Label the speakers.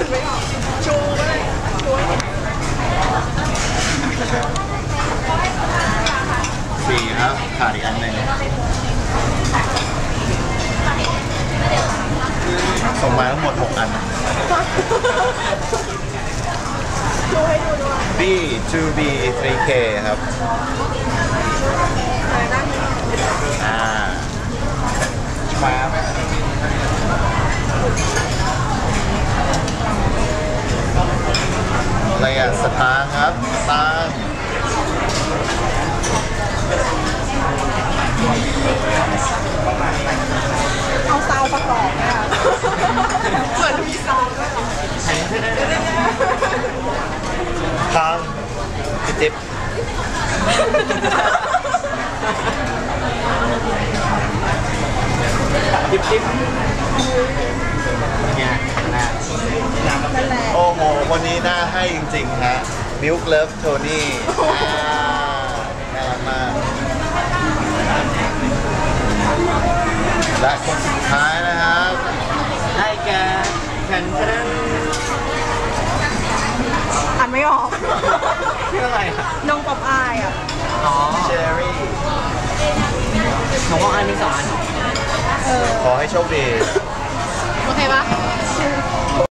Speaker 1: ไม่ออกชูเลยชูให้
Speaker 2: สี่ครับขาดอีกอันหนึ่งส่งมาทั้งหมด6 อัน
Speaker 1: ชูให้ดูด้วย
Speaker 2: B 2B 3K ครับมาอะไรอ่ะสตางค์ครับสตางค์
Speaker 1: เอาซาวประกอบเนี่ยเหมือนมีซาวด้วย
Speaker 2: ทางพี่จิ๊บจิ๊บเนี่ยนะโอ้โหวันนี้น่าให้จริงๆฮะ Milk Love Tony น่ารักมากและคนสุดท้ายนะครับให้แกแข่งขัน
Speaker 1: อ่านไม่ออก
Speaker 2: ชื่ออะไรอ่ะ
Speaker 1: น้องป๊อปอายอ่ะ
Speaker 2: อ๋อเชอรี่
Speaker 3: ของอันนี้2 อัน
Speaker 2: ขอให้โชคดี
Speaker 1: โอเคปะ